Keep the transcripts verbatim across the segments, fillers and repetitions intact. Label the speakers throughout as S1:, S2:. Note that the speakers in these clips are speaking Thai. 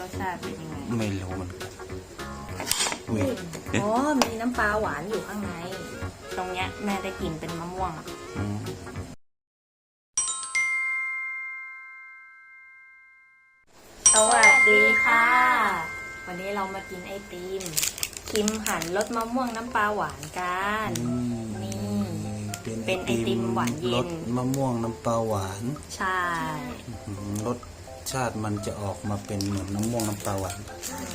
S1: สชาติเป็นยังไง
S2: ไม่รู้มันอุ้ย
S1: อ๋อมีน้ำปลาหวานอยู่ข้างในตรงเนี้ยแม่ได้กลิ่นเป็นมะม่วงสวัสดีค่ะวันนี้เรามากินไอติมคิมหั่นรสมะม่วงน้ำปลาหวานกันนี่เป็นไอติมหวานเย็น
S2: รสมะม่วงน้ำปลาหวาน
S1: ใช่
S2: รสชาติมันจะออกมาเป็นเหมือนน้ำม่วงน้ำปลาหวาน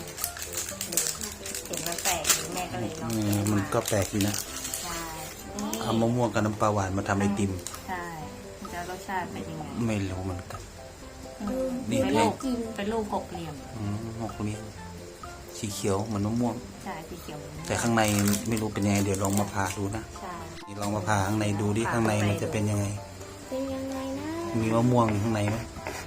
S1: เห็นมันแปลกแม่ก็เลยลอง
S2: มันก็แปลกดีนะ
S1: ใช่
S2: เอามะม่วงกับน้ำปลาหวานมาทำไอติม
S1: ใช่จะรสชาติเป็นยังไง
S2: ไม่รู้เหมือนกัน
S1: เป็นลูกเป็นลูกหกเหลี่ยม
S2: หกเหลี่ยมสีเขียวเหมือนมะม่วง
S1: ใช่สีเขียว
S2: แต่ข้างในไม่รู้เป็นยังไงเดี๋ยวลองมาผ่าดูนะนี่ลองมาผ่าข้างในดูดิข้างในมันจะเป็นยังไง
S1: เป็นยังไงนะ
S2: มีมะม่วงข้างในไหม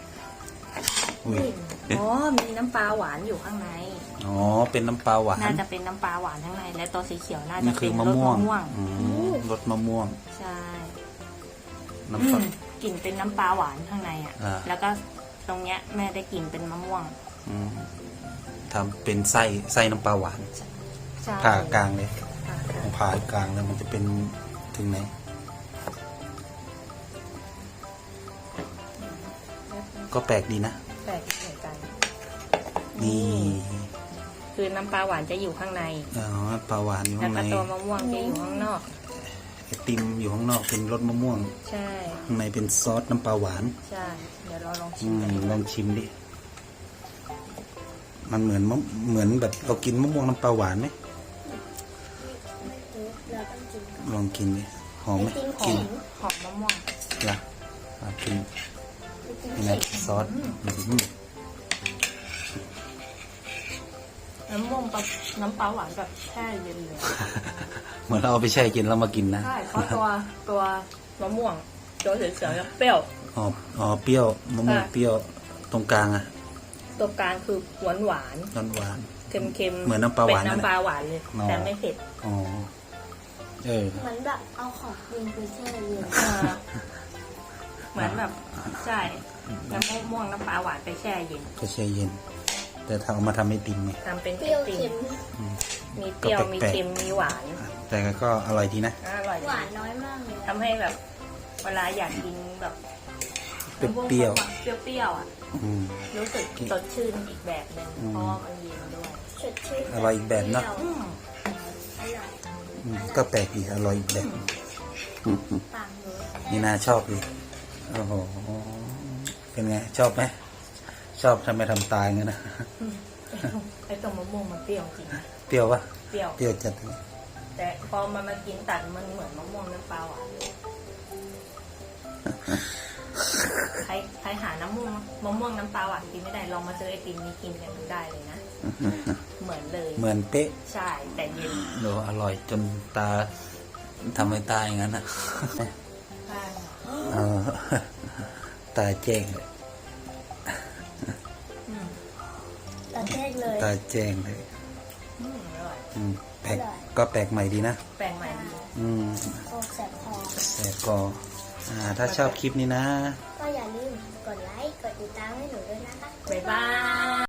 S1: อ๋อมีน้ำปลาหวานอยู่ข้างใน
S2: อ๋อเป็นน้ำปลาหวาน
S1: น่าจะเป็นน้ำปลาหวานข้างในและตัวสีเขียวน่าจะ
S2: เป็นรสมะม่วงรสมะม่วง
S1: ใช่
S2: น้ำปล
S1: ากลิ่นเป็นน้ำปลาหวานข้างในอ่ะแล้วก็ตรงเนี้ยแม่ได้กลิ่นเป็นมะม่วง
S2: ทำเป็นไส้ไส้น้ำปลาหวานผ่ากลางเลยผ่ากลางแล้วมันจะเป็นถึงไหนก็แปลกดีนะ
S1: แปลกเหมือนกัน
S2: นี่
S1: คือน้ำปลาหวานจะอยู่ข้างใน
S2: อ๋อปลาหวานอยู่ข้างใน
S1: แล้วก็ตัวมะม่วงจะอยู่ข้างนอก
S2: ไอติมอยู่ข้างนอกเป็นรสมะม่วง
S1: ใช่
S2: ข้างในเป็นซอสน้ำปลาหวาน
S1: ใช่เดี๋ยวเราลองชิม
S2: ลองชิมดิมันเหมือนเหมือนแบบเรากินมะม่วงน้ำปลาหวานไหมลองกินดิหอมไหม
S1: กินหอมมะม่วง
S2: ล่ะกินนี่นะซอส
S1: น้ำม่วงกับน้ำปลาหวานแบบแช่เย็นเลย
S2: เหมือนเราเอาไปแช่เย็นแล้วมากินนะ
S1: ใช่เพราะตัวตัวมะม่วงตัวเขียวๆจะเปรี้ยว
S2: อ๋ออ๋อเปรี้ยวมะม่วงเปรี้ยวตรงกลางอะ
S1: ตรงกลางคือหวานหวาน
S2: หวานหวาน
S1: เค็มเค็ม
S2: เหมือนน้ำปลาหวาน
S1: เป็นน้ำปลาหวานเลยแต่ไม่เผ็ด
S2: อ๋อเออ
S3: เหมือนแบบเอาของเย็นไปแช่เย็น
S1: เหมือนแบบใช่น้ำมะม่วงน้ำปลาหวานไปแช่เย็น
S2: ก็แช่เย็นแต่ถ้าเอามาทำไอติมไง
S1: ทำเป็น
S3: เปรี้ยวเค็ม
S1: มีเปรี้ยวมีเค็มมีหวาน
S2: แต่ก็อร่อยดีนะ
S1: อร่อย
S3: หวานน้อยมากเลย
S1: ทำให้แบบเวลาอยากกินแบบ
S2: เปรี้ยว
S1: เปรี้ยวอ่ะรู้สึกสดชื่นอีกแบบหนึ่งเพราะมันเย็นด้วย
S3: สดชื่น
S2: อร่อยอีกแบบเนาะก็แปลกดีอร่อยอีกแบบนี่น่าชอบดีโอ้โหเป็นไงชอบไหมชอบทำไมทำตายงั้นนะ
S1: ไอ้ตรงมะม่วงมันเปรี้ยวจริง
S2: เปรี้ยวปะ
S1: เปรี้ยว
S2: เปรี้ยวจัด
S1: แต่พอมันมากินตัดมันเหมือนมะม่วงน้ำปลาหวานใครใครหาน้ำม่วงมะม่วงน้ำปลาหวานกินไม่ได้ลองมาซื้อไอติมนี้กินกันได้เลยนะเหมือนเลย
S2: เหมือนเป๊ะ
S1: ใช่แต่เย็น
S2: โหอร่อยจนตาทำให้ตาอย่างนั้นนะตาแจ้งเลย
S3: ตาแจ้งเลย
S2: ตาแจ้งเลยแปลกก็แปลกใหม่ดีนะ
S1: แปลกใหม่ดี
S2: อืม
S3: แสบคอ
S2: แสบคออ่าถ้าชอบคลิปนี้นะ
S3: ก็อย่าลืมกดไลค์กดติดตามให้หนูด้วยนะคะ
S1: บ๊ายบาย